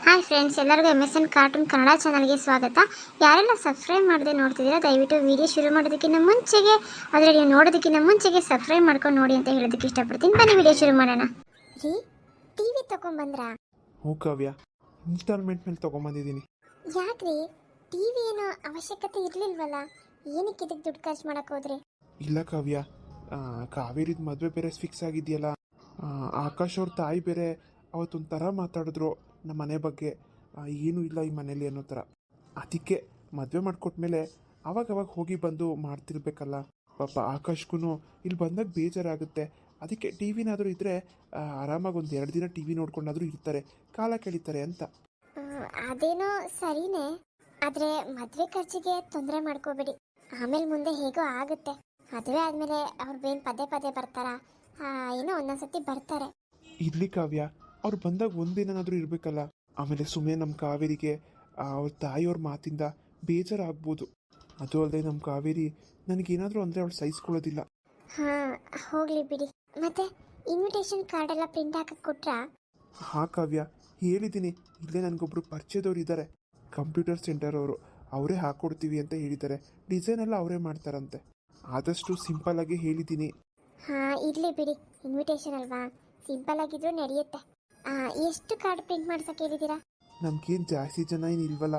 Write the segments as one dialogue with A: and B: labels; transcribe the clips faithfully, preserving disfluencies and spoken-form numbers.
A: Hi friends, ಎಲ್ಲರಿಗೂ M S N cartoon Kannada ಚಾನಲ್ಗೆ ಸ್ವಾಗತ. ಯಾರೆಲ್ಲ ಸಬ್ಸ್ಕ್ರೈಬ್ ಮಾಡದೆ ನೋಡ್ತಿದ್ದೀರಾ ದಯವಿಟ್ಟು ವಿಡಿಯೋ ಶುರು ಮಾಡೋದಕ್ಕಿಂತ ಮುಂಚೆಗೆ ಅದರ ನೀವು ನೋಡೋದಕ್ಕಿಂತ ಮುಂಚೆಗೆ ಸಬ್ಸ್ಕ್ರೈಬ್ ಮಾಡ್ಕೊಂಡು ನೋಡಿ ಅಂತ ಹೇಳೋದಕ್ಕೆ ಇಷ್ಟಪಡ್ತೀನಿ. ಬನ್ನಿ ವಿಡಿಯೋ ಶುರು ಮಾಡೋಣ. ರೀ, ಟಿವಿ ತಗೊಂಡ್ಬಂದ್ರಾ?
B: ಹ್ಞೂ ಕಾವ್ಯ, ಇನ್ಸ್ಟಾಲ್ಮೆಂಟ್ ಮೇಲೆ ತೊಗೊಂಬಂದಿದ್ದೀನಿ.
A: ಯಾಕ್ರಿ, ಟಿವಿ ಏನೋ ಅವಶ್ಯಕತೆ ಇರಲಿಲ್ವಲ್ಲ, ಏನಕ್ಕೆ ಇದಕ್ಕೆ ದುಡ್ಡು ಖರ್ಚು ಮಾಡಕ್ಕೆ ಹೋದ್ರಿ?
B: ಇಲ್ಲ ಕಾವ್ಯ, ಕಾವೇರಿದ ಮದುವೆ ಬೇರೆ ಫಿಕ್ಸ್ ಆಗಿದೆಯಲ್ಲ. ಆಕಾಶ್ ಅವ್ರ ತಾಯಿ ಬೇರೆ ಅವತ್ತೊಂಥರ ಮಾತಾಡಿದ್ರು ನಮ್ಮ ಮನೆ ಬಗ್ಗೆ, ಏನೂ ಇಲ್ಲ ಈ ಮನೇಲಿ ಅನ್ನೋ ಥರ. ಅದಕ್ಕೆ ಮದುವೆ ಮಾಡಿಕೊಟ್ಮೇಲೆ ಅವಾಗವಾಗ ಹೋಗಿ ಬಂದು ಮಾಡ್ತಿರ್ಬೇಕಲ್ಲ. ಪಾಪ ಆಕಾಶ್ಗೂ ಇಲ್ಲಿ ಬಂದಾಗ ಬೇಜಾರಾಗುತ್ತೆ. ಅದಕ್ಕೆ ಟಿ ವಿನಾದರೂ ಇದ್ದರೆ ಆರಾಮಾಗಿ ಒಂದು ಎರಡು ದಿನ ಟಿ ವಿ ನೋಡ್ಕೊಂಡಾದರೂ ಇರ್ತಾರೆ, ಕಾಲ ಕಳೀತಾರೆ ಅಂತ.
A: ಅದೇನೋ ಸರಿನೇ, ಆದರೆ ಮದುವೆ ಖರ್ಚಿಗೆ ತೊಂದರೆ ಮಾಡ್ಕೋಬೇಡಿ. ಆಮೇಲೆ ಮುಂದೆ ಹೇಗೋ ಆಗುತ್ತೆ. ಮದುವೆ ಆದಮೇಲೆ ಅವ್ರು ಬೇನ್ ಪದೇ ಪದೇ ಬರ್ತಾರಾ? ಏನೋ ಒಂದೊಂದ್ಸತಿ ಬರ್ತಾರೆ.
B: ಇರ್ಲಿ ಕಾವ್ಯ, ಅವ್ರು ಬಂದಾಗ ಒಂದಿನಾದರೂ ಇರಬೇಕಲ್ಲ. ಆಮೇಲೆ ಸುಮ್ಮನೆ ನಮ್ಮ ಕಾವೇರಿಗೆ ಅವ್ರ ತಾಯಿಯವ್ರ ಮಾತಿಂದ ಬೇಜಾರಾಗ್ಬೋದು. ಅದು ಅಲ್ಲದೆ ನಮ್ಮ ಕಾವೇರಿ ನನಗೇನಾದರೂ ಅಂದರೆ ಅವಳು ಸಹಿಸ್ಕೊಳ್ಳೋದಿಲ್ಲ.
A: ಹಾಂ, ಹೋಗಲಿ ಬಿಡಿ. ಮತ್ತೆ ಇನ್ವಿಟೇಷನ್ ಕಾರ್ಡ್ ಎಲ್ಲ ಪ್ರಿಂಟ್ ಹಾಕಕ್ಕೆ ಕೊಟ್ರಾ?
B: ಹಾಂ ಕಾವ್ಯ, ಹೇಳಿದ್ದೀನಿ. ಇಲ್ಲೇ ನನಗೊಬ್ಬರು ಪರಿಚಯದವ್ರು ಇದ್ದಾರೆ, ಕಂಪ್ಯೂಟರ್ ಸೆಂಟರ್ ಅವರು. ಅವರೇ ಹಾಕ್ಕೊಡ್ತೀವಿ ಅಂತ ಹೇಳಿದ್ದಾರೆ. ಡಿಸೈನ್ ಎಲ್ಲ ಅವರೇ ಮಾಡ್ತಾರಂತೆ. ಆದಷ್ಟು ಸಿಂಪಲ್ಲಾಗಿ ಹೇಳಿದ್ದೀನಿ.
A: ಹಾಂ, ಇರಲಿ ಬಿಡಿ. ಇನ್ವಿಟೇಷನ್ ಅಲ್ವಾ, ಸಿಂಪಲ್ ಆಗಿದ್ರು ನಡೆಯುತ್ತೆ. ಎಷ್ಟು ಕಾರ್ಡ್ ಪ್ರಿಂಟ್ ಮಾಡ್ಸಕ್ಕೆ ಹೇಳಿದ್ದೀರಾ?
B: ನಮ್ಗೇನು ಜಾಸ್ತಿ ಜನ ಏನು ಇಲ್ವಲ್ಲ,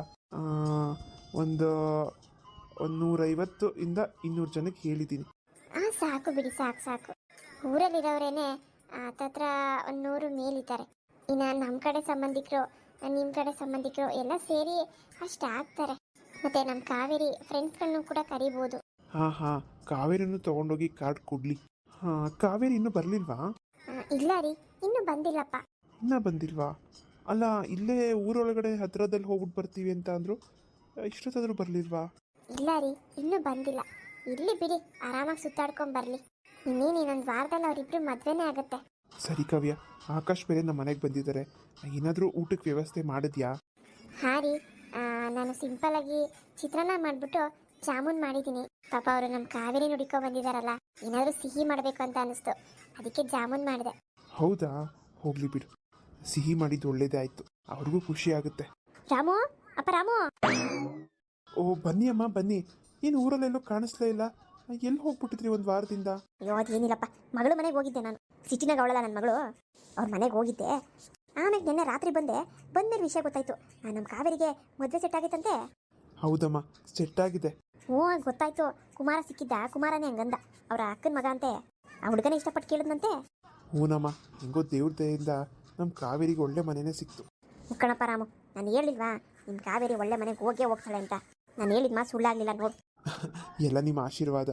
B: ಒಂದು ಒಂದು ನೂರೈವತ್ತು ಇಂದ ಇನ್ನೂರು ಜನಕ್ಕೆ ಹೇಳಿದ್ದೀನಿ.
A: ಹಾಂ, ಸಾಕು ಬಿಡಿ, ಸಾಕು ಸಾಕು. ಊರಲ್ಲಿರೋರೇನೆ ಹತ್ತತ್ರ ಒಂದು ನೂರು ಮೇಲಿದ್ದಾರೆ. ಇನ್ನು ನಮ್ಮ ಕಡೆ ಸಂಬಂಧಿಕರು, ನಿಮ್ಮ ಕಡೆ ಸಂಬಂಧಿಕರು ಎಲ್ಲ ಸೇರಿ ಅಷ್ಟು ಆಗ್ತಾರೆ. ಮತ್ತು ನಮ್ಮ ಕಾವೇರಿ ಫ್ರೆಂಡ್ಸ್ಗಳನ್ನು ಕೂಡ ಕರಿಬೋದು.
B: ಹಾಂ ಹಾಂ, ಕಾವೇರಿನೂ ತೊಗೊಂಡೋಗಿ ಕಾರ್ಡ್ ಕೊಡಲಿ. ಹಾಂ, ಕಾವೇರಿ ಇನ್ನೂ ಬರಲಿಲ್ವಾ?
A: ಇಲ್ಲ ರೀ, ಇನ್ನೂ ಬಂದಿಲ್ಲಪ್ಪ.
B: ಇನ್ನೂ ಬಂದಿಲ್ವಾ? ಅಲ್ಲ, ಇಲ್ಲೇ ಊರೊಳಗಡೆ ಹತ್ತಿರದಲ್ಲಿ ಹೋಗ್ಬಿಟ್ಟು ಬರ್ತೀವಿ ಅಂತ ಅಂದರು. ಇಷ್ಟೊತ್ತಾದರೂ ಬರಲಿಲ್ವಾ?
A: ಇಲ್ಲ ರೀ, ಇನ್ನೂ ಬಂದಿಲ್ಲ. ಇಲ್ಲಿ ಬಿಡಿ, ಆರಾಮಾಗಿ ಸುತ್ತಾಡ್ಕೊಂಡು ಬರಲಿ. ಇನ್ನೇನು ಇನ್ನೊಂದು ವಾರದಲ್ಲಿ ಅವರಿಬ್ಬರು ಮದುವೆನೇ ಆಗುತ್ತೆ.
B: ಸರಿ ಕಾವ್ಯ, ಆಕಾಶ್ ಬೇರೆ ನಮ್ಮ ಮನೆಗೆ ಬಂದಿದ್ದಾರೆ. ಏನಾದರೂ ಊಟಕ್ಕೆ ವ್ಯವಸ್ಥೆ ಮಾಡಿದ್ಯಾ?
A: ಹಾಂ ರೀ, ನಾನು ಸಿಂಪಲ್ಲಾಗಿ ಚಿತ್ರಾನ್ನ ಮಾಡಿಬಿಟ್ಟು ಜಾಮೂನ್ ಮಾಡಿದ್ದೀನಿ. ಪಾಪ ಅವರು ನಮ್ಮ ಕಾವೇರಿ ನುಡಿಕೊ ಬಂದಿದ್ದಾರಲ್ಲ, ಏನಾದರೂ ಸಿಹಿ ಮಾಡಬೇಕು ಅಂತ ಅನ್ನಿಸ್ತು, ಅದಕ್ಕೆ ಜಾಮೂನ್ ಮಾಡಿದೆ.
B: ಹೌದಾ, ಹೋಗ್ಲಿ ಬಿಡು. ಸಿಹಿ ಮಾಡಿದ್ದು ಒಳ್ಳೇದೇ ಆಯಿತು, ಅವ್ರಿಗೂ ಖುಷಿ ಆಗುತ್ತೆ.
A: ರಾಮು, ಅಪ್ಪ ರಾಮು.
B: ಓ, ಬನ್ನಿ ಅಮ್ಮ ಬನ್ನಿ. ಏನು ಊರಲ್ಲೆಲ್ಲೋ ಕಾಣಿಸ್ಲೇ ಇಲ್ಲ, ಎಲ್ಲಿ ಹೋಗ್ಬಿಟ್ಟಿದ್ರಿ ಒಂದು ವಾರದಿಂದ?
A: ಅಯ್ಯೋ, ಅದೇನಿಲ್ಲಪ್ಪ, ಮಗಳು ಮನೆಗೆ ಹೋಗಿದ್ದೆ ನಾನು. ಸಿಟಿನಾಗ ಅವಳಲ್ಲ ನನ್ನ ಮಗಳು, ಅವ್ರ ಮನೆಗೆ ಹೋಗಿದ್ದೆ. ಆಮೇಲೆ ನಿನ್ನೆ ರಾತ್ರಿ ಬಂದೆ. ಬಂದ್ಮೇಲೆ ವಿಷಯ ಗೊತ್ತಾಯ್ತು, ನಮ್ಮ ಕಾವೇರಿಗೆ ಮದುವೆ ಸೆಟ್ ಆಗಿತ್ತಂತೆ.
B: ಹೌದಮ್ಮ, ಸೆಟ್ ಆಗಿದೆ.
A: ಹ್ಞೂ, ಗೊತ್ತಾಯ್ತು. ಕುಮಾರ ಸಿಕ್ಕಿದ್ದ, ಕುಮಾರನೇ ಹಂಗಂದ. ಅವರ ಅಕ್ಕನ ಮಗ ಅಂತೆ. ಆ ಹುಡುಗನೇ ಇಷ್ಟಪಟ್ಟು ಕೇಳಿದ್ನಂತೆ.
B: ಹ್ಞೂನಮ್ಮ, ಹೆಂಗೋ ದೇವ್ರ ದಯೆಯಿಂದ ನಮ್ಮ ಕಾವೇರಿಗೆ ಒಳ್ಳೆ ಮನೆಯೇ ಸಿಕ್ತು.
A: ಮುಕ್ಕಣಪ್ಪ ರಾಮು, ನಾನು ಹೇಳಿಲ್ವಾ ನಿಮ್ಮ ಕಾವೇರಿ ಒಳ್ಳೆ ಮನೆಗೆ ಹೋಗೇ ಹೋಗ್ತಾಳೆ ಅಂತ? ನಾನು ಹೇಳಿದ ಮಾತು ಸುಳ್ಳಾಗಲಿಲ್ಲ ನೋಡು.
B: ಎಲ್ಲ ನಿಮ್ಮ ಆಶೀರ್ವಾದ.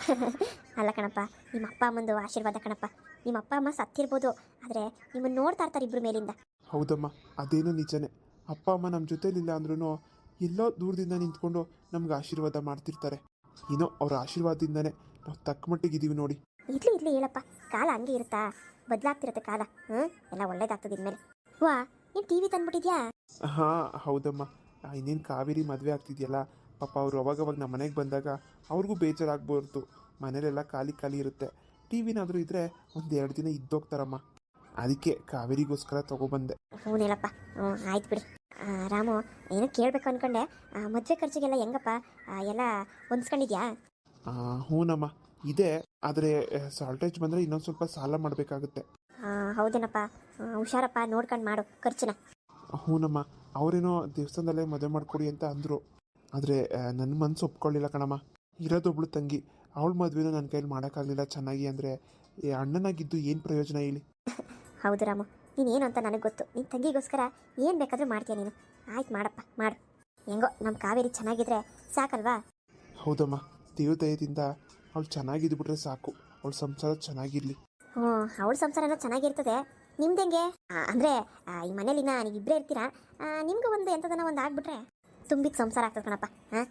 A: ಅಲ್ಲ ಕಣಪ್ಪ, ನಿಮ್ಮ ಅಪ್ಪ ಅಮ್ಮಂದು ಆಶೀರ್ವಾದ ಕಣಪ್ಪ. ನಿಮ್ಮ ಅಪ್ಪ ಅಮ್ಮ ಸತ್ತಿರ್ಬೋದು, ಆದರೆ ನಿಮ್ಮನ್ನು ನೋಡ್ತಾ ಇರ್ತಾರೆ ಇಬ್ಬರು ಮೇಲಿಂದ.
B: ಹೌದಮ್ಮ, ಅದೇನು ನಿಜನೇ. ಅಪ್ಪ ಅಮ್ಮ ನಮ್ಮ ಜೊತೆಲಿಲ್ಲ ಅಂದ್ರೂ ಎಲ್ಲೋ ದೂರದಿಂದ ನಿಂತ್ಕೊಂಡು ನಮ್ಗೆ ಆಶೀರ್ವಾದ ಮಾಡ್ತಿರ್ತಾರೆ. ಏನೋ ಅವ್ರ ಆಶೀರ್ವಾದದಿಂದನೇ ನಾವು ತಕ್ಕ ಮಟ್ಟಿಗೆ ಇದ್ದೀವಿ ನೋಡಿ.
A: ಇರ್ಲಿ ಇರ್ಲಿ ಹೇಳಪ್ಪ, ಕಾಲ ಹಂಗೆ ಇರುತ್ತಾ? ಬದಲಾಗ್ತಿರುತ್ತೆ ಕಾಲ. ಹ್ಞೂ, ಎಲ್ಲ ಒಳ್ಳೇದಾಗ್ತದೆ ಇನ್ಮೇಲೆ. ವಾ, ನೀನು ಟಿ ವಿ ತಂದ್ಬಿಟ್ಟಿದ್ಯಾ?
B: ಹಾಂ ಹೌದಮ್ಮ, ಇನ್ನೇನು ಕಾವೇರಿ ಮದುವೆ ಆಗ್ತಿದೆಯಲ್ಲ, ಪಾಪ ಅವರು ಅವಾಗವಾಗ ನಮ್ಮ ಮನೆಗೆ ಬಂದಾಗ ಅವ್ರಿಗೂ ಬೇಜಾರಾಗ್ಬಾರ್ದು. ಮನೇಲೆಲ್ಲ ಖಾಲಿ ಖಾಲಿ ಇರುತ್ತೆ. ಟಿ ವಿನಾದರೂ ಇದ್ದರೆ ಒಂದು ಎರಡು ದಿನ ಇದ್ದೋಗ್ತಾರಮ್ಮ. ಅದಕ್ಕೆ ಕಾವೇರಿಗೋಸ್ಕರ ತೊಗೊಬಂದೆ.
A: ಹ್ಞೂನೇಳಪ್ಪ. ಹ್ಞೂ, ಆಯ್ತು ಬಿಡಿ. ರಾಮು, ಏನೋ ಕೇಳಬೇಕು ಅಂದ್ಕೊಂಡೆ. ಮದುವೆ ಖರ್ಚಿಗೆಲ್ಲ ಹೆಂಗಪ್ಪ, ಎಲ್ಲ ಹೊಂದ್ಸ್ಕೊಂಡಿದ್ಯಾ?
B: ಹ್ಞೂನಮ್ಮ, ಇದೆ. ಆದರೆ ಸಾಲ್ಟೇಜ್ ಬಂದರೆ ಇನ್ನೊಂದು ಸ್ವಲ್ಪ ಸಾಲ ಮಾಡಬೇಕಾಗುತ್ತೆ.
A: ಹೌದೇನಪ್ಪ, ಹುಷಾರಪ್ಪ, ನೋಡ್ಕೊಂಡು ಮಾಡು ಖರ್ಚನ್ನ.
B: ಹ್ಞೂನಮ್ಮ, ಅವರೇನೋ ದೇವಸ್ಥಾನದಲ್ಲೇ ಮದುವೆ ಮಾಡಿಕೊಡಿ ಅಂತ ಅಂದರು. ಆದರೆ ನನ್ನ ಮನಸ್ಸು ಒಪ್ಕೊಳ್ಳಿಲ್ಲ ಕಣಮ್ಮ. ಇರೋದೊಬ್ಳು ತಂಗಿ, ಅವಳ ಮದುವೆನೂ ನನ್ನ ಕೈಲಿ ಮಾಡೋಕ್ಕಾಗಲಿಲ್ಲ ಚೆನ್ನಾಗಿ. ಅಂದರೆ ಅಣ್ಣನಾಗಿದ್ದು ಏನು ಪ್ರಯೋಜನ ಹೇಳಿ?
A: ಹೌದು ರಾಮು, ನೀನೇನು ಅಂತ ನನಗೆ ಗೊತ್ತು. ನಿನ್ನ ತಂಗಿಗೋಸ್ಕರ ಏನು ಬೇಕಾದರೂ ಮಾಡ್ತೀಯ ನೀನು. ಆಯ್ತು, ಮಾಡಪ್ಪ ಮಾಡು. ಹೆಂಗೋ ನಮ್ಮ ಕಾವೇರಿ ಚೆನ್ನಾಗಿದ್ರೆ ಸಾಕಲ್ವಾ?
B: ಹೌದಮ್ಮ, ದೇವದಯದಿಂದ ಅವಳು ಚೆನ್ನಾಗಿದ್ಬಿಟ್ರೆ ಸಾಕು. ಅವಳ ಸಂಸಾರ ಚೆನ್ನಾಗಿರಲಿ.
A: ಹ್ಞೂ, ಅವಳ ಸಂಸಾರನೂ ಚೆನ್ನಾಗಿರ್ತದೆ. ನಿಮ್ದು ಹೆಂಗೆ ಅಂದರೆ ಈ ಮನೇಲಿನ ನೀವು ಇಬ್ಬರೇ ಇರ್ತೀರಾ, ನಿಮ್ಗೆ ಒಂದು ಎಂಥದನ್ನ ಒಂದು ಆಗ್ಬಿಟ್ರೆ ತುಂಬಿದ ಸಂಸಾರ ಆಗ್ತದೆ ಕಣಪ್ಪ. ಹಾಂ,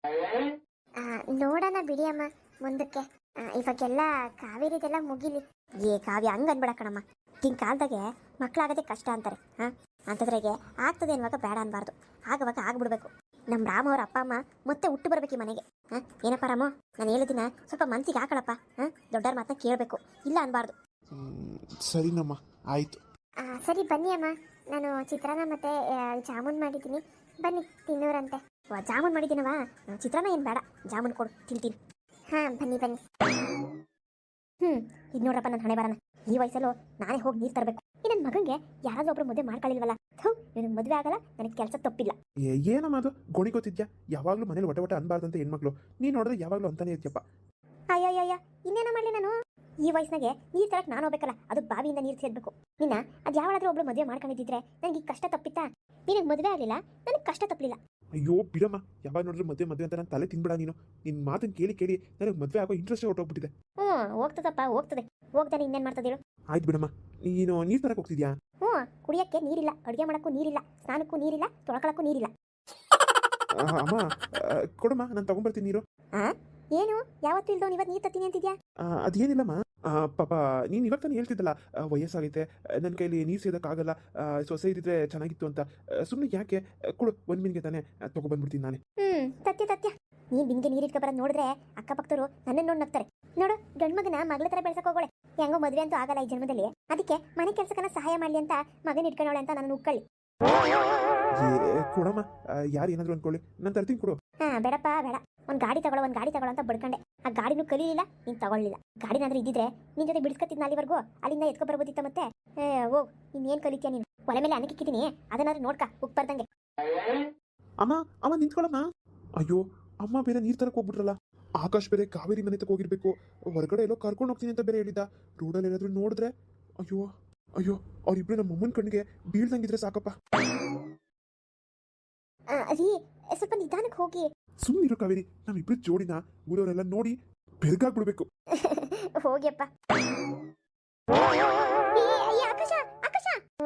A: ನೋಡೋಣ ಬಿಡಿ ಅಮ್ಮ ಮುಂದಕ್ಕೆ. ಇವಾಗೆಲ್ಲ ಕಾವೇರಿದೆಲ್ಲ ಮುಗಿಲಿ. ಏ ಕಾವ್ಯ, ಹಂಗೆ ಅನ್ಬೇಡ ಕಣಮ್ಮ. ಹಿಂಗೆ ಕಾಲದಾಗೆ ಮಕ್ಕಳಾಗೋದೇ ಕಷ್ಟ ಅಂತಾರೆ. ಹಾಂ, ಅಂಥದ್ರಾಗೆ ಆಗ್ತದೆ ಅನ್ನುವಾಗ ಬೇಡ ಅನ್ಬಾರ್ದು, ಆಗವಾಗ ಆಗ್ಬಿಡ್ಬೇಕು. ನಮ್ಮ ರಾಮ ಅವ್ರ ಅಪ್ಪ ಅಮ್ಮ ಮತ್ತೆ ಹುಟ್ಟು ಬರ್ಬೇಕು ಈ ಮನೆಗೆ. ಹಾಂ, ಏನಪ್ಪ ರಾಮ, ನಾನು ಹೇಳಿದಿನ ಸ್ವಲ್ಪ ಮನಸ್ಸಿಗೆ ಹಾಕಳಪ್ಪ. ಹಾಂ, ದೊಡ್ಡವ್ರ ಮಾತನ್ನ ಕೇಳಬೇಕು, ಇಲ್ಲ ಅನ್ಬಾರ್ದು.
B: ಸರಿನಮ್ಮ, ಆಯಿತು.
A: ಸರಿ ಬನ್ನಿ ಅಮ್ಮ. ನಾನು ಚಿತ್ರಾನ್ನ ಮತ್ತು ಜಾಮೂನ್ ಮಾಡಿದ್ದೀನಿ, ಬನ್ನಿ ತಿನ್ನೋರಂತೆ. ವಾ ಜಾಮೂನ್ ಮಾಡಿದ್ದೀನವಾ, ಚಿತ್ರಾನ್ನ ಏನು ಬೇಡ, ಜಾಮೂನ್ ಕೊಡು ತಿಂತೀನಿ. ಹಾಂ ಬನ್ನಿ ಬನ್ನಿ. ಹ್ಞೂ ಇದು ನೋಡ್ರಪ್ಪ ನನ್ನ ಹಣೆ ಬರೋಣ. ಈ ವಯಸ್ಸಲ್ಲೂ ನಾನೇ ಹೋಗಿ ನೀರು ತರಬೇಕು. ಈ ನನ್ನ ಮಗನಿಗೆ ಯಾರಾದ್ರೂ ಒಬ್ರು ಮದುವೆ ಮಾಡ್ಕೊಳ್ಳಿಲ್ವಲ್ಲ. ಹೌ ನನಗೆ ಮದುವೆ ಆಗಲ್ಲ, ನನಗೆ ಕೆಲಸ ತಪ್ಪಿಲ್ಲ.
B: ಏ ಏನಮ್ಮ ಅದು ಗೋಣಿ ಗೊತ್ತಿದ್ಯಾ? ಯಾವಾಗಲೂ ಮನೇಲಿ ಒಟ ಒಟ ಅನ್ಬಾರ್ದಂತ ಹೆಣ್ಮಕ್ಳು ನೀನು ನೋಡಿದ್ರೆ ಯಾವಾಗಲೂ ಅಂತಾನೆ ಇರ್ತೀಯಪ್ಪ.
A: ಅಯ್ಯಯ್ಯಯ್ಯ ಇನ್ನೇನ ಮಾಡಲಿ ನಾನು? ಈ ವಯಸ್ಸಿನಾಗೆ ನೀರು ತರಕ್ಕೆ ನಾನು ಹೋಗ್ಬೇಕಲ್ಲ, ಅದು ಬಾವಿಯಿಂದ ನೀರು ಸೇರ್ಬೇಕು. ನಿನ್ನ ಅದು ಯಾವಾಗಾದ್ರೂ ಒಬ್ಳು ಮದುವೆ ಮಾಡ್ಕೊಂಡಿದ್ದಿದ್ರೆ ನನಗೆ ಈ ಕಷ್ಟ ತಪ್ಪಿತ್ತಾ? ನಿನಗೆ ಮದುವೆ ಆಗಲಿಲ್ಲ, ನನಗೆ ಕಷ್ಟ ತಪ್ಪಲಿಲ್ಲ.
B: ಅಯ್ಯೋ ಬಿಡಮ್ಮ, ಯಾವಾಗ ನೋಡಿದ್ರು ಮದುವೆ ಮದುವೆ ಅಂತ ನಾನು ತಲೆ ತಿನ್ಬಿಡ ನೀನು. ನಿನ್ನ ಮಾತನ್ನು ಕೇಳಿ ಕೇಳಿ ನನಗೆ ಮದುವೆ ಆಗೋ ಇಂಟ್ರೆಸ್ಟೇ ಹೊರಟೋಗ್ಬಿಟ್ಟಿದೆ.
A: ಹ್ಞೂ ಹೋಗ್ತದಪ್ಪ ಹೋಗ್ತದೆ, ಹೋಗ್ತಾನೆ ಇನ್ನೇನು ಮಾಡ್ತದೆ ಹೇಳು?
B: ಆಯ್ತು ಬಿಡಮ್ಮ, ನೀನು ನೀರು ತರಕ್ಕೆ ಹೋಗ್ತಿದ್ಯಾ?
A: ಹ್ಞೂ ಕುಡಿಯೋಕ್ಕೆ ನೀರಿಲ್ಲ, ಅಡುಗೆ ಮಾಡೋಕ್ಕೂ ನೀರಿಲ್ಲ, ಸ್ನಾನಕ್ಕೂ ನೀರಿಲ್ಲ, ತೊಳ್ಕೊಳಕ್ಕೂ ನೀರಿಲ್ಲ.
B: ಆ, ಅಮ್ಮ ಆ, ಕೊಡಮ್ಮ, ನಾನು ತಗೊಂಬರ್ತೀನಿ ನೀರು.
A: ಹಾಂ ಏನು ಯಾವತ್ತೂ ಇಲ್ದೋ ಇವತ್ತು ನೀರು ತತ್ತೀನಿ ಅಂತಿದ್ಯಾ?
B: ಆ, ಅದೇನಿಲ್ಲಮ್ಮ, ಆ, ಪಾಪ ನೀನು ಇವಾಗ ತಾನೇ ಹೇಳ್ತಿದ್ದಲ್ಲ, ಆ, ವಯಸ್ಸಾಗೈತೆ, ನನ್ನ ಕೈಲಿ ನೀರು ಸೇದಕ್ಕಾಗಲ್ಲ, ಆ, ಸೊಸೆ ಇದ್ದಿದ್ರೆ ಚೆನ್ನಾಗಿತ್ತು ಅಂತ. ಸುಮ್ಮನೆ ಯಾಕೆ, ಕೊಡು ಒಂದು ಮಿನಿಗೆ ತಾನೇ ತಗೊಬಂದ್ಬಿಡ್ತೀನಿ ನಾನೇ.
A: ಹ್ಞೂ ತತ್ಯ ತತ್ಯ ನೀನು ನಿನಗೆ ನೀರು ಇಟ್ಕೊಬರೋದು ನೋಡಿದ್ರೆ ಅಕ್ಕಪಕ್ಕದವರು ನನ್ನನ್ನು ನೋಡಿ ನಗ್ತಾರೆ. ನೋಡು ಗಂಡು ಮಗನ ಮಗಳ ಥರ ಬೆಳ್ಸಕ್ಕೆ ಹೋಗೋಳೆ. ಹೆಂಗೋ ಮದುವೆ ಅಂತೂ ಆಗಲ್ಲ ಈ ಜನ್ಮದಲ್ಲಿ, ಅದಕ್ಕೆ ಮನೆ ಕೆಲಸಕ್ಕನ ಸಹಾಯ ಮಾಡಲಿ ಅಂತ ಮಗನ ಇಟ್ಕೊಳ್ಳೋಳೆ ಅಂತ ನಾನು ಉಕ್ಕಳ್ಳಿ.
B: ಏ ಕೊಡಮ್ಮ, ಯಾರು ಏನಾದ್ರು ಅನ್ಕೊಳ್ಳಿ, ನಾನು ತರ್ತೀನಿ ಕೊಡು.
A: ಹಾಂ ಬೇಡಪ್ಪ ಬೇಡ, ಒಂದು ಗಾಡಿ ತಗೊಳ್ಳೋ ಒಂದು ಗಾಡಿ ತಗೊಳ್ಳೋ ಅಂತ ಬಡ್ಕಂಡೆ. ಆ ಗಾಡಿನೂ ಕಲೀಲಿಲ್ಲ, ನೀನು ತಗೊಳ್ಳಿಲ್ಲ. ಗಾಡಿನಾದ್ರೂ ಇದ್ದಿದ್ರೆ ನಿನ್ನ ಜೊತೆ ಬಿಡಿಸ್ಕೊತಿದ್ನ ಅಲ್ಲಿವರೆಗೂ, ಅಲ್ಲಿಂದ ಎತ್ಕೊ ಬರ್ಬೋದಿತ್ತ. ಮತ್ತೆ ಏ ಹೋಗ್ ಇನ್ನೇನು ಕಲಿತೀಯ ನೀನು? ಒಲೆ ಮೇಲೆ ಅನ್ನಕ್ಕಿಕ್ಕಿದ್ದೀನಿ, ಅದನ್ನಾದ್ರೂ ನೋಡ್ಕ ಉಪ್ಪು ಬರ್ದಂಗೆ.
B: ಅಮ್ಮ ಅಮ್ಮ ನಿಂತ್ಕೊಳ್ಳಮ್ಮ. ಅಯ್ಯೋ ಅಮ್ಮ ಬೇರೆ ನೀರು ತರಕ್ಕೆ ಹೋಗ್ಬಿಟ್ರಲ್ಲ. ಆಕಾಶ್ ಬೇರೆ ಕಾವೇರಿ ಮನೆ ತಕ ಹೋಗಿರ್ಬೇಕು, ಹೊರಗಡೆ ಎಲ್ಲೋ ಕರ್ಕೊಂಡು ಹೋಗ್ತೀನಿ ಅಂತ ಬೇರೆ ಹೇಳಿದ್ದ. ರೋಡಲ್ಲಿ ಏನಾದ್ರು ನೋಡಿದ್ರೆ ಅಯ್ಯೋ ಅಯ್ಯೋ ಅವ್ರಿಬ್ರು ನಮ್ಮ ಅಮ್ಮನ ಕಣ್ಣಿಗೆ ಬೀಳ್ದಂಗಿದ್ರೆ ಸಾಕಪ್ಪ.
A: ರೀ ಸ್ವಲ್ಪ ನಿಧಾನಕ್ಕೆ ಹೋಗಿ.
B: ಸುಮ್ಮನಿರೋ ಕಾವೇರಿ, ನಮ್ಮಿಬ್ರು ಜೋಡಿನ ಊರವರೆಲ್ಲ ನೋಡಿ ಬೆರ್ಗಾಗ್ಬಿಡ್ಬೇಕು.
A: ಹೋಗ್ಯಪ್ಪ. ಆಕಾಶ ಆಕಾಶ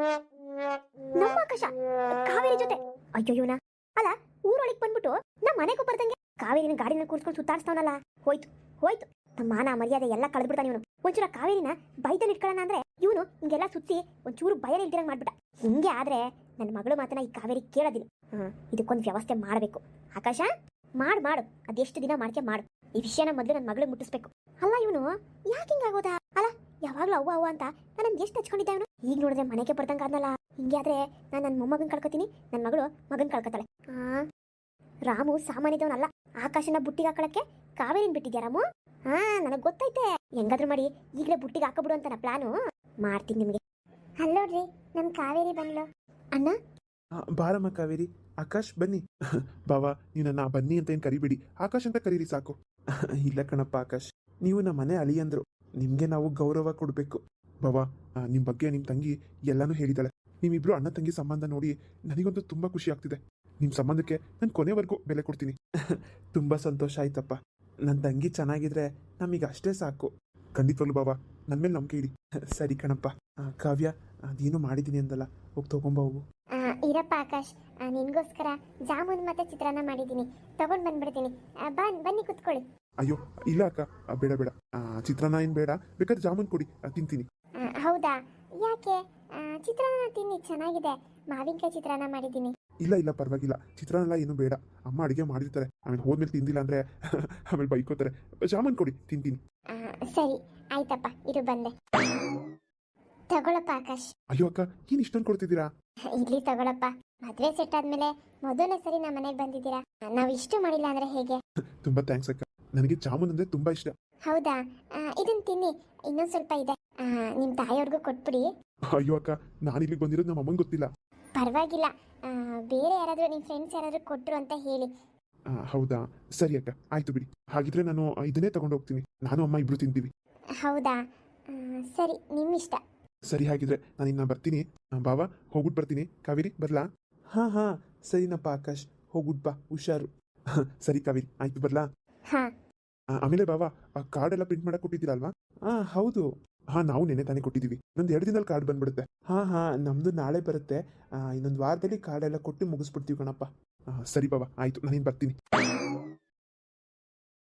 A: ನಮ್ಮ ಆಕಾಶ ಕಾವೇರಿ ಜೊತೆ. ಅಯ್ಯೋಯ್ಯೋನ ಅಲ್ಲ, ಊರೊಳಗೆ ಬಂದ್ಬಿಟ್ಟು ನಮ್ಮ ಮನೆಗೂ ಬರ್ದಂಗೆ ಕಾವೇರಿನ ಗಾಡಿನ ಕೂರ್ಸ್ಕೊಂಡು ಸುತ್ತಾಡ್ಸ್ತಾವನಲ್ಲ. ಹೋಯ್ತು ಹೋಯ್ತು, ನಮ್ಮ ಮಾನ ಮರ್ಯಾದೆ ಎಲ್ಲ ಕಳೆದ್ಬಿಡ್ತಾನೆ ಇವನು. ಒಂಚೂರ ಕಾವೇರಿನ ಬೈದಲ್ಲಿ ಇಟ್ಕೊಳ್ಳೋಣ ಅಂದ್ರೆ ಇವನು ಹಿಂಗೆಲ್ಲ ಸುತ್ತಿ ಒಂಚೂರು ಭಯ ಇಲ್ದಿರಂಗ್ ಮಾಡ್ಬಿಟ್ಟ. ಹಿಂಗೆ ಆದ್ರೆ ನನ್ನ ಮಗಳು ಮಾತನ್ನ ಈ ಕಾವೇರಿ ಕೇಳೋದಿಲ್ಲ. ಹ್ಮ್ ಇದಕ್ಕೊಂದು ವ್ಯವಸ್ಥೆ ಮಾಡಬೇಕು. ಆಕಾಶ ಮಾಡು ಮಾಡು, ಅದೆಷ್ಟು ದಿನ ಮಾಡ್ಕೆ ಮಾಡು. ಈ ವಿಷಯನ ಮೊದಲು ನನ್ನ ಮಗಳು ಮುಟ್ಟಿಸ್ಬೇಕು. ಅಲ್ಲ ಇವನು ಯಾಕೆ ಹಿಂಗಾಗೋದಾ? ಅಲ್ಲ ಯಾವಾಗ್ಲೂ ಅವ್ವ ಅವ್ವ ಅಂತ ನಾನು ಎಷ್ಟು ಹಚ್ಕೊಂಡಿದ್ದೆ ಅವನು. ಈಗ ನೋಡಿದ್ರೆ ಮನೆಗೆ ಬರ್ದಂಗ ಆದ್ನಲ್ಲ. ಹಿಂಗೆ ಆದ್ರೆ ನಾನು ನನ್ನ ಮೊಮ್ಮಗನ್ ಕಳ್ಕೊತೀನಿ, ನನ್ನ ಮಗಳು ಮಗನ್ ಕಳ್ಕೊತಾಳೆ. ಆ ರಾಮು ಸಾಮಾನ್ಯದವನಲ್ಲ. ಆಕಾಶನ ಬುಟ್ಟಿಗೆ ಹಾಕೊಳಕ್ಕೆ ಕಾವೇರಿನ ಬಿಟ್ಟಿದ್ಯಾ ರಾಮು? ಹಾ ನನಗೆ ಗೊತ್ತೈತೆ. ಹೆಂಗಾದ್ರೂ ಮಾಡಿ ಈಗಲೇ ಬುಟ್ಟಿಗೆ ಹಾಕಬಿಡು ಅಂತ ನಾ ಪ್ಲಾನು ಮಾಡ್ತೀನಿ ನಿಮಗೆ. ಅಲ್ಲೋಡ್ರಿ ನಮ್ ಕಾವೇರಿ ಬಂದ್ಲು. ಅಣ್ಣ
B: ಬಾರಮ್ಮ ಕಾವೇರಿ, ಆಕಾಶ್ ಬನ್ನಿ. ಬಾವಾ ನೀವು ನನ್ನ ಬನ್ನಿ ಅಂತ ಏನು ಕರಿಬೇಡಿ, ಆಕಾಶ್ ಅಂತ ಕರೀರಿ ಸಾಕು. ಇಲ್ಲ ಕಣಪ್ಪ ಆಕಾಶ್, ನೀವು ನಮ್ಮ ಮನೆ ಅಳಿಯಂದ್ರು, ನಿಮಗೆ ನಾವು ಗೌರವ ಕೊಡಬೇಕು. ಬಾವಾ ನಿಮ್ಮ ಬಗ್ಗೆ ನಿಮ್ಮ ತಂಗಿ ಎಲ್ಲಾನು ಹೇಳಿದಾಳೆ. ನೀವಿಬ್ರು ಅಣ್ಣ ತಂಗಿ ಸಂಬಂಧ ನೋಡಿ ನನಗಂತೂ ತುಂಬ ಖುಷಿ ಆಗ್ತಿದೆ. ನಿಮ್ಮ ಸಂಬಂಧಕ್ಕೆ ನಾನು ಕೊನೆವರೆಗೂ ಬೆಲೆ ಕೊಡ್ತೀನಿ. ತುಂಬ ಸಂತೋಷ ಆಯ್ತಪ್ಪ. ನನ್ನ ತಂಗಿ ಚೆನ್ನಾಗಿದ್ರೆ ನಮಗೆ ಅಷ್ಟೇ ಸಾಕು. ಖಂಡಿತವಾಗ್ಲು ಬಾವಾ, ನನ್ನ ಮೇಲೆ ನಂಬಿಕೆ ಇಡಿ. ಸರಿ ಕಣಪ್ಪ. ಕಾವ್ಯ ಅದೇನು ಮಾಡಿದ್ದೀನಿ ಅಂದಲ್ಲ, ಹೋಗಿ ತಗೊಂಬ ಹೋಗು.
A: ಇರಪ್ಪ ಆಕಾಶ್, ನಿನ್ಗೋಸ್ಕರ ಜಾಮೂನ್ ಮತ್ತೆ ಚಿತ್ರಾನ್ನ ಮಾಡಿದ್ದೀನಿ, ತಗೊಂಡ್ ಬಂದ್ಬಿಡ್ತೀನಿ. ಬನ್ ಬನ್ನಿ ಕುತ್ಕೊಳ್ಳಿ.
B: ಅಯ್ಯೋ ಇಲ್ಲ ಅಕ್ಕ, ಬೇಡ ಬೇಡ, ಚಿತ್ರಾನ್ನ ಏನು ಬೇಡ, ಬೇಕಾದ್ರೆ ಜಾಮೂನ್ ಕೊಡಿ, ತಿಂತೀನಿ.
A: ಹೌದಾ? ಯಾಕೆ? ಚಿತ್ರಾನ್ನ ತಿನ್ನಿ, ಚೆನ್ನಾಗಿದೆ. ಮಾವಿನಕಾಯಿ ಚಿತ್ರಾನ್ನ ಮಾಡಿದ್ದೀನಿ.
B: ಇಲ್ಲ ಇಲ್ಲ ಪರವಾಗಿಲ್ಲ, ಚಿತ್ರಾನ್ನ ಏನು ಬೇಡ. ಅಮ್ಮ ಅಡುಗೆ ಮಾಡಿರ್ತಾರೆ, ಆಮೇಲೆ ಹೋದ್ಮೇಲೆ ತಿಂದಿಲ್ಲ ಅಂದ್ರೆ ಆಮೇಲೆ ಬೈಕೋತಾರೆ. ಜಾಮೂನ್ ಕೊಡಿ, ತಿಂತೀನಿ.
A: ಸರಿ ಆಯ್ತಪ್ಪ, ಇದು ಬಂದೆ. ತಗೊಳಪ್ಪ ಆಕಾಶ್.
B: ಅಯ್ಯೋ ಅಕ್ಕ, ಏನು ಇಷ್ಟೊಂದು ಕೊಡ್ತಿದ್ದೀರಾ?
A: ಇಲ್ಲಿ ತಗೊಳಪ್ಪ. ಮದ್ವೆ ಸೆಟ್ ಆದ್ಮೇಲೆ ಮೊದಲನೇ ಸರಿ ನಮ್ಮ ಮನೆಗೆ ಬಂದಿದ್ದೀರಾ, ನಾವು ಇಷ್ಟು ಮಾಡಿಲ್ಲ ಅಂದ್ರೆ ಹೇಗೆ?
B: ತುಂಬಾ ಥ್ಯಾಂಕ್ಸ್ ಅಕ್ಕ, ನನಗೆ ಜಾಮೂನ್ ಅಂದ್ರೆ ತುಂಬಾ ಇಷ್ಟ.
A: ಹೌದಾ? ಇದನ್ನ ತಿನ್ನಿ, ಇನ್ನೊಂದು ಸ್ವಲ್ಪ ಇದೆ, ನಿಮ್ಮ ತಾಯಿಯವ್ರಿಗೂ ಕೊಟ್ಬಿಡಿ.
B: ಅಯ್ಯೋ ಅಕ್ಕ, ನಾನು ಇಲ್ಲಿಗೆ ಬಂದಿರೋದು ನಮ್ಮ ಅಮ್ಮಂಗೆ ಗೊತ್ತಿಲ್ಲ.
A: ಪರವಾಗಿಲ್ಲ, ಬೇರೆ ಯಾರಾದರೂ ನಿಮ್ಮ ಫ್ರೆಂಡ್ಸ್ ಯಾರಾದರೂ ಕೊಟ್ಟರು ಅಂತ ಹೇಳಿ.
B: ಹೌದಾ, ಸರಿ ಅಕ್ಕ, ಆಯ್ತು ಬಿಡಿ. ಹಾಗಿದ್ರೆ ನಾನು ಇದನ್ನೇ ತಗೊಂಡು ಹೋಗ್ತೀನಿ, ನಾನು ಅಮ್ಮ ಇಬ್ರು ತಿಂತೀವಿ.
A: ಹೌದಾ? ಸರಿ, ನಿಮ್ಮಿಷ್ಟ.
B: ಸರಿ, ಹಾಗಿದ್ರೆ ನಾನು ಇನ್ನ ಬರ್ತೀನಿ. ಬಾವಾ ಹೋಗ್ಬಿಟ್ಟು ಬರ್ತೀನಿ. ಕಾವೇರಿ ಬರ್ಲಾ? ಹಾ ಹಾ ಸರಿನಪ್ಪ ಆಕಾಶ್, ಹೋಗ್ಬಿಟ್ ಬಾ, ಹುಷಾರು. ಸರಿ ಕಾವೇರಿ, ಆಯ್ತು ಬರ್ಲಾ?
A: ಹಾ.
B: ಆಮೇಲೆ ಬಾವಾ, ಆ ಕಾರ್ಡ್ ಎಲ್ಲ ಪ್ರಿಂಟ್ ಮಾಡಕ್ ಕೊಟ್ಟಿದ್ದೀರಲ್ವಾ? ಹಾ ಹೌದು. ಹಾ ನಾವು ನೆನೆ ತಾನೇ ಕೊಟ್ಟಿದ್ದೀವಿ, ಇನ್ನೊಂದು ಎರಡು ದಿನದಲ್ಲಿ ಕಾರ್ಡ್ ಬಂದ್ಬಿಡುತ್ತೆ. ಹಾ ಹಾ ನಮ್ದು ನಾಳೆ ಬರುತ್ತೆ, ಇನ್ನೊಂದು ವಾರದಲ್ಲಿ ಕಾರ್ಡ್ ಎಲ್ಲ ಕೊಟ್ಟು ಮುಗಿಸ್ಬಿಡ್ತೀವಿ ಕಣಪ್ಪ. ಸರಿ ಬಾವಾ, ಆಯ್ತು, ನಾನಿನ್ ಬರ್ತೀನಿ.